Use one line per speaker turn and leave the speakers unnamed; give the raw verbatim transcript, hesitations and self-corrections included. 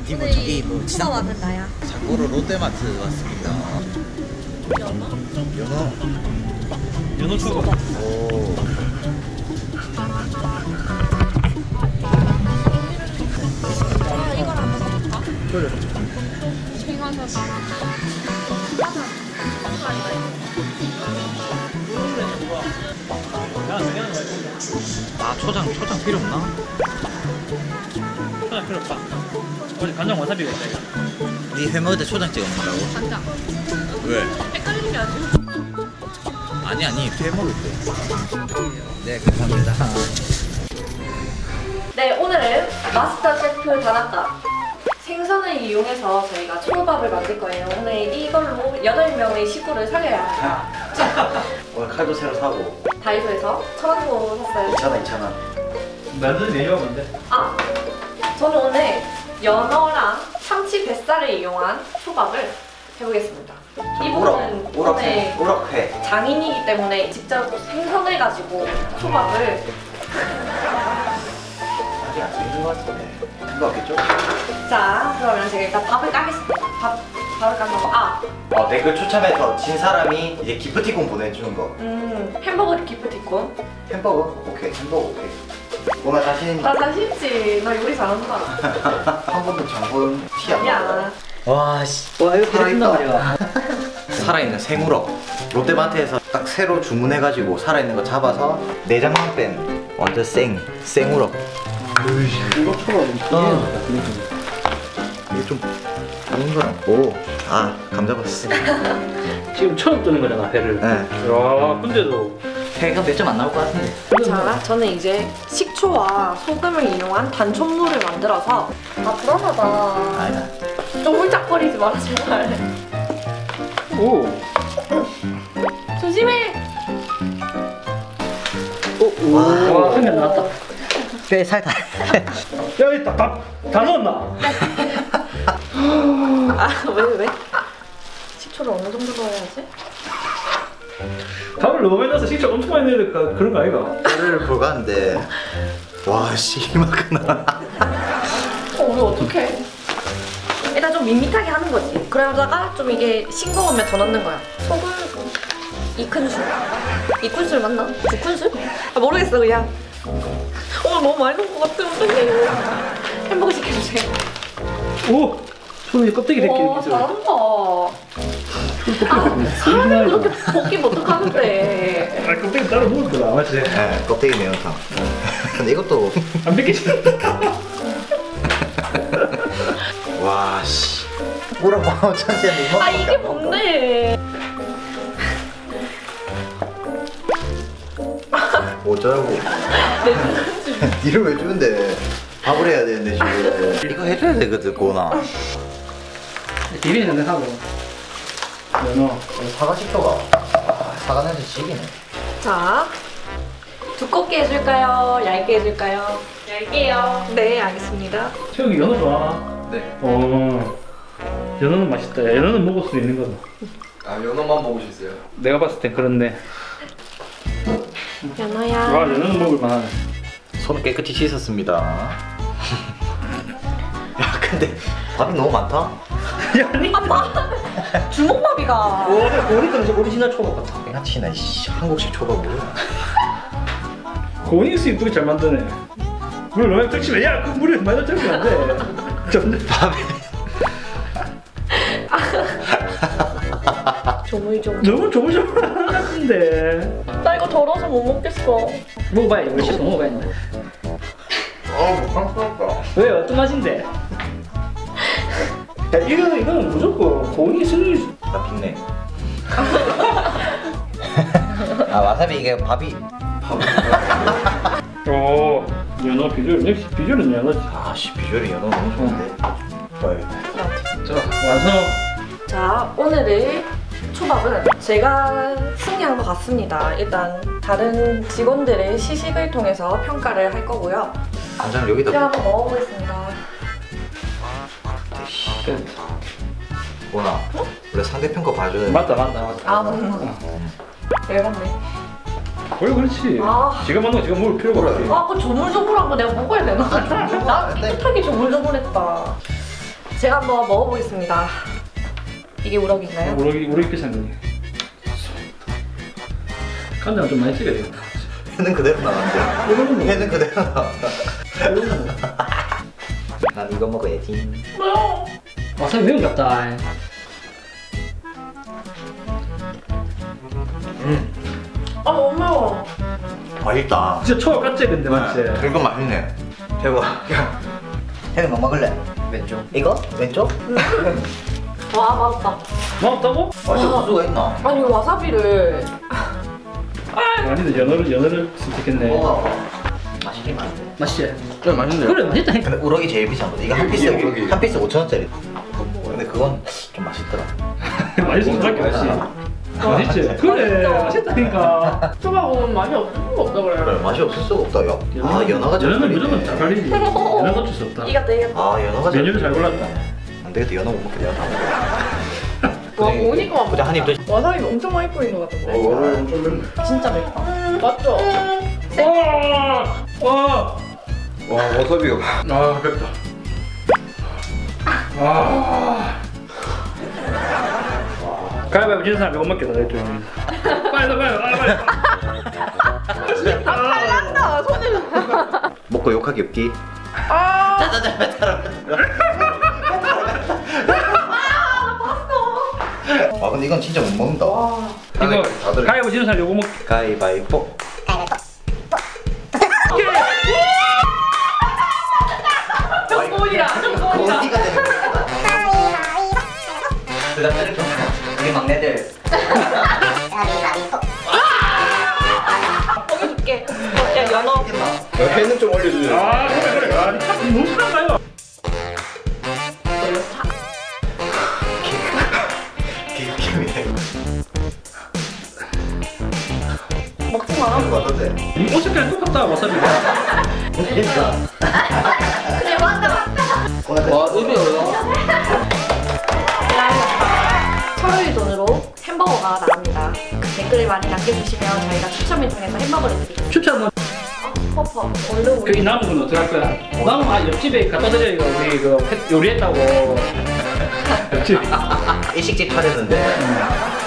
니뭐 저기 뭐
지상 왔는 나야.
장보러 롯데마트 왔습니다.
연어?
연어.
연어 초밥.
오.
아, 이걸 한번 먹어볼까?
그래.
생각해서.
아 초장 초장 필요 없나?
초장 필요 없다. 어제 간장 와사비가 있다 이거.
니 회 먹을 때 초장 찍어 먹는다고?
간장.
왜?
헷갈리는 게 아니고.
아니 아니 회 먹을 때. 네 감사합니다.
네, 오늘은 마스터 셰프 다나카 생선을 이용해서 저희가 초밥을 만들 거예요. 오늘 이걸로 여덟 명의 식구를 살려야 합니다.
오늘 칼도 새로 사고
다이소에서 천 원으로 샀어요.
이천 원 이천 원
만드는 메뉴가 뭔데?
아, 저는 오늘 연어랑 참치 뱃살을 이용한 초밥을 해보겠습니다. 이분은 오늘
오락회
장인이기 때문에 직접 생선을 가지고 초밥을
아직 안 생긴 것 같은데 그거 같겠죠?
자, 그러면 제가 일단 밥을 까겠습니다. 밥, 밥을 까서 아!
어, 댓글 추첨해서 진 사람이 이제 기프티콘 보내주는 거
음, 햄버거 기프티콘.
햄버거? 오케이 햄버거 오케이 오늘 자신
나 자신 있지. 나 요리 잘한다.
한 번도 장본 티 안 나요
야,
와씨
와 이거
살아있다 살아있는 생우럭 롯데마트에서 딱 새로 주문해가지고 살아있는 거 잡아서 내장만 뺀 완전 생 생우럭
이거 초밥
어. 이게 좀 다른 거랑 오아 감 잡았어
지금 처음 뜨는 거잖아 회를.
네.
야 근데도
회가 몇 점 안 나올 것 같은데
자, 저는 이제 식초와 소금을 이용한 단촛물을 만들어서 아, 불안하다.
아니다
좀 홀짝거리지 마라, 제발.
오.
조심해!
오. 와 한 명 나왔다.
뼈에 살다
야 이따 밥다 넣었나?
아, 왜, 왜? 식초를 어느 정도 넣어야지?
밥을 너무 많이 넣어서 식초 엄청 많이 넣어야 될까 그런 거 아이가?
뼈를 보가는데 와씨 이만큼나
어, 우리 어떡해? 일단 좀 밋밋하게 하는 거지. 그러다가 좀 이게 싱거우면 더 넣는 거야. 소금 이 큰술. 이 큰술 맞나? 두 큰술? 아, 모르겠어, 그냥. 어, 너무 많이 넣은 것 같아. 어떡해. 햄버거 시켜주세요.
오. 손이 껍데기 벗기
와,
이렇게
잘한다. 아, 사람이 그렇게 벗기면 어떡하는데.
아 껍데기 따로 먹을 거다 맞지?
네 껍데기 매운탕 근데 이것도
안 벗기지?
와씨 뭐라고 하면 천시한데 이만큼
아, 이게 뭔데?
어쩌라고
내 눈을
니를 왜 주는데 밥을 해야 되는데 지금 이거 해줘야 되거든 고나
비비는 전에 하고 연어
사과 식초가 아, 사과 냄새 지기네
자, 두껍게 해줄까요? 얇게 해줄까요? 얇게요. 네, 알겠습니다.
최욱이 연어 좋아하나?
네.
어 연어는 맛있다. 야, 연어는 먹을 수 있는 거다.
아 연어만 먹을 수 있어요.
내가 봤을 땐 그런데
연어야.
와 연어는 먹을 만하네.
손을 깨끗이 씻었습니다 야 근데 밥이 너무 많다
아빠! 주먹밥이가.
고니까 오리지널 초밥 같아.
양아치나 이씨 한국식 초밥 뭐야
고니 수 이쁘게 잘 만드네. 물 너무 적시면 야그 물에 많이 적시면 안 돼. 전
밥에
조물조물.
너무 조물조물 같은데.
나 이거 더러워서 못 먹겠어.
먹어봐야지. 우리 씻어 먹어봐야지.
어우 깜짝이야
왜 어떤 맛인데? 야 이거 이거는 무조건 고니 승리.
나 빅네 아 와사비 이게 밥이
오 연어 비주얼 역시 비주얼은 연어지.
아씨 비주얼이 연어 너무 좋은데 봐야겠다
자 완성.
자, 오늘의 초밥은 제가 승리한 것 같습니다. 일단 다른 직원들의 시식을 통해서 평가를 할 거고요.
간장 여기다
제가 한번 먹어보겠습니다.
끝.
보나 원래 상대편 거 봐줘야 돼
맞다 맞다 맞다.
아, 맞나? 열받네.
원래 그렇지.
아.
지가 먹는 거 지가 먹을 필요가
그래.
없지.
아, 그 조물조물한 거 내가 먹어야 되나? 나
조물조물한데?
깨끗하게 조물조물했다. 제가 한번 먹어보겠습니다. 이게 우럭인가요?
우럭이 우럭이 비싼 거니. 간장 좀 많이 찍어야 되겠다.
회는 그대로 나왔는데.
이거는 뭐?
회는 그대로 나왔다. 난 이거 먹어야지.
와사비 매운 것 같다.
음,
아 너무 매워.
맛있다.
진짜 초밥 같지 근데 맞지?
네, 이거 맛있네. 대박. 회는 뭐 먹을래?
왼쪽.
이거? 왼쪽?
와 맛있다.
맛없다고?
맛이 없을 수가 있나?
아니 와사비를
아니네 연어를 연어를 선택했네.
먹어. 맛있긴 한데.
맛있지?
좀 맛있는데요?
그래 맛있다니까.
근데 우럭이 제일 비싼 거다. 이거 한 피스
우럭이.
한 피스 오천 원짜리. 근데 그건 좀 맛있더라.
맛있을 수밖에 없지. 맛있지? 그래 맛있다니까.
초밥은 맛이 없을 수가 없다 그래.
그래 맛이 없을 수가 없다. 야. 아 연어가 잘
연어는
걸리네.
무조건 잘 걸리지. 연어가 어쩔 수 없다.
이가 되겠다.
아 연어가 잘
메뉴를 잘 골랐다.
안 되겠다. 연어 못 먹게 내가 다 먹어.
와 오니까
보자 한입 더.
와사비 엄청 많이 뿌린 것 같은데.
오늘 좀 맵네.
진짜 맵다. 맞죠?
와, 와,
와 와사비가
아 맵다. 아. 가위바위보 지는 사람 이거 먹겠다 내 쪽에. 빨리 빨리 빨리 빨리.
난다 손을.
먹고 욕하기 없기.
아.
아 근데 이건 진짜 못 먹는다.
와.
이거
다들
가위바위보 지는 사람 이거 먹.
가위바위보.
정보이야. 정보이야.
어디가 되는 거야? 그다음 이렇게 우리 막내들.
먹여줄게. 야 연어.
회는 좀 올려주세요.
아 그래 그래. 아 너무 стран가요.
기름이네.
먹지 마.
이거 어떤데?
이 오색깔 똑같다 와사비가.
됐어.
그래 맞다 맞다.
와 의외로요.
서로의 돈으로 햄버거가 나갑니다. 댓글을 많이 남겨주시면 저희가 추첨을 통해서 햄버거를 드리겠습니다.
추천
퍼퍼 얼른
그
우리
이 남은 건 어떡할 거야? 남은 아 옆집에 갖다 드려 이거 우리 그 펫 요리했다고. 옆집.
일식집 차렸는데